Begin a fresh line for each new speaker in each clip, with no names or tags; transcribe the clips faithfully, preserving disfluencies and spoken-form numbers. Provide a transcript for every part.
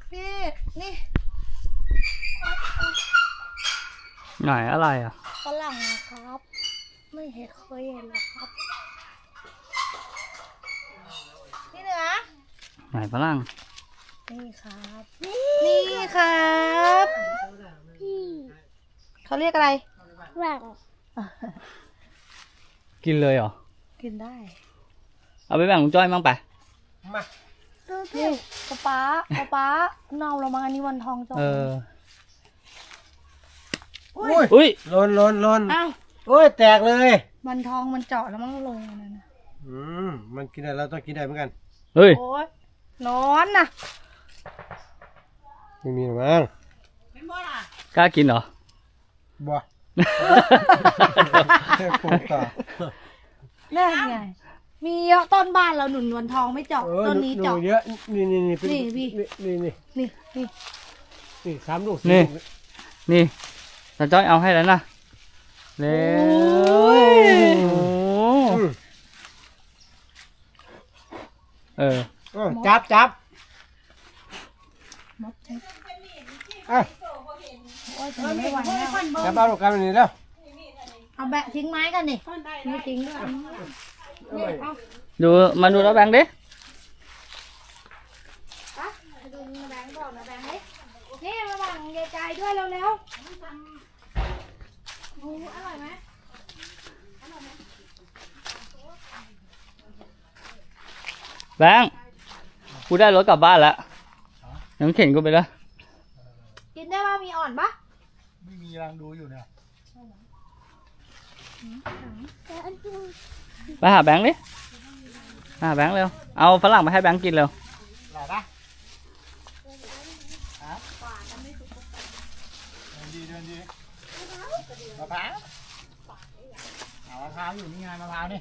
พี่นี่
ไหนอะไรอ่ะ
ฝรั่งนะครับ ไม่เห็นเคยเห็นหรอกครับนี่เหนือ
ไหนฝรั่ง
นี่ครับนี่ครับเขาเรียกอะไรฝรั่ง
กินเลยเหรอ
กินได้
เอาไปแบ่งลุงจ้อยมั่งไป
มานี่ป๊าป๊าป๊าป๊าเน่าเรามาอันนี้วันทองจอ
เออ
อุ้ย
อุ้ย
ลนลนลน
อ้าว
โอ้ยแตกเลย
วันทองมันเจาะแล้วมันก็ลงนั่นนะ
อืมมันกินได้เราต้องกินได้เหมือนกัน
เฮ้ย
โอ้ยนอนนะ
ไม่มีหรอมั้ง
กล้ากินเหรอ
บัวแค่ปลูกต่อ
แน่ไงมีเยอะต้นบ้านเราหนุนวันทองไม่เจาะ
เออ
ต้นนี้เจาะ
เยอะนี่นี่นี่
นี่พี่
นี่นี่
นี่นี่
นี่สามลูก
นี่ นี่ตาจ้อยเอาให้แล้วนะเร็วเออ
จับจับ
มดใช่
อ่ะ
โอ้ยถึงไม่ไหวแล้ว
จับเอาลูกกันนี่แล้ว
เอาแบะทิ้งไม้กันนี่ไม่ทิ้งด้วยนี่เอา
ดูมาดูแล้วแบงค์ดิ
ปะดูนะแบงค์บอกนะแบงค์นี่นี่ระหว่างยายใจด้วยเร็วๆดูอร่อยไหม
แบงค์กูได้รถกลับบ้านแล้วน้ำเข็นกูไปแล้ว
กินได้ป่ะมีอ่อนปะ
ไม่มีรังดูอยู่เนี่ย
ไปหาแบงค์ดิหาแบงค์เร็วเอาฝรั่งมาให้แบงค์กินเร็ว
หล่อปะฮะเดินดีเดินดีมะพร้าวเอามะพร้าวอยู่นี่ไงมะพร้าวนี่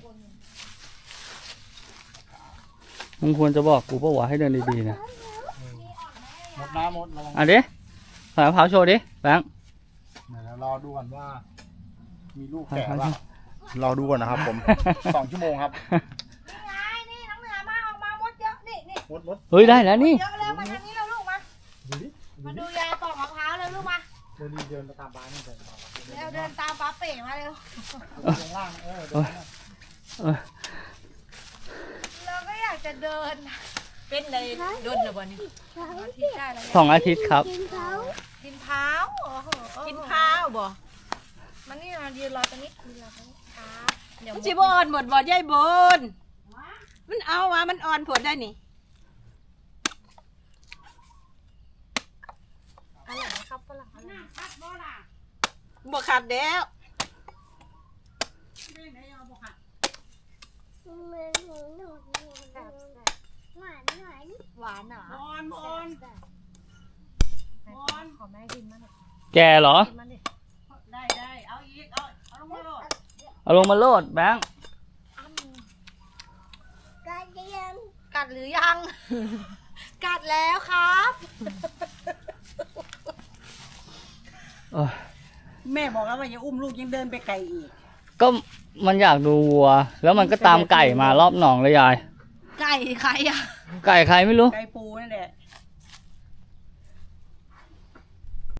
มึงควรจะบอกกูป่าวะให้เดินดีๆนะ
หมดน้ำหมดระวัง
อ่ะดิใส่มะพร้าวโชว์ดิแบงค์
เดี๋ยวรอดูก่อนว่า มีลูกแก่ป่ะรอดูก่อนนะครับผม สองชั่วโมงครับ
นี่ไงนี่น้องเหนือมาออกมามดเยอะนี่นี่
มดมด
เฮ้ยได้แล้วนี่
เยอะแล้วมาทางนี้แล้วลูกมา
ดูดิ
มาดูยายปอกมะพร้าวเลยลูกมา
เดินดีเดินไปตามบ้านนี่เดินต่อ
เร็วเดินตามป้าเป๋มาเร็ว
ลงล่างเออ
เออเออ
เราก็อยากจะเดิน
เป็นเลยโดนหรือเปล่านี่
อาทิตย์ได้แล้ว
สองอาทิตย์ครับ
กินเท้ากินเท้าโอ้โห
กินข้าวบ่
มันนี่มายืนรอตรงนี้ยืนรอตรงนี้ครับเดี๋ยว
มันสิบอ่อนหมดบ่ยายบนมันเอาว่ามันอ่อนผลได้นี่
อะไรนะครับฝรั่งอะไร
บ่ขาดแล้ว
หวานหวานหวานเหรอ
อ่อนอ่อน
ขอแม่กินมัน
แกเหรอ
กินมันดิ
ได้ได้เอาอีกเอาเอาลงมาโลด
เอาลงมาโลดแบงค์
กัดยังกัดหรือยัง กัดแล้วครับ
เออ
แม่บอกแล้วว่าอย่าอุ้มลูกยังเดินไปไกลอีก
ก็มันอยากดูวัว แล้วมันก็ตามไก่มารอบหนองเลยยาย
ไก่ใครอ่ะ
ไก่ใครไม่รู้
ไก่ปูนั่นแหละ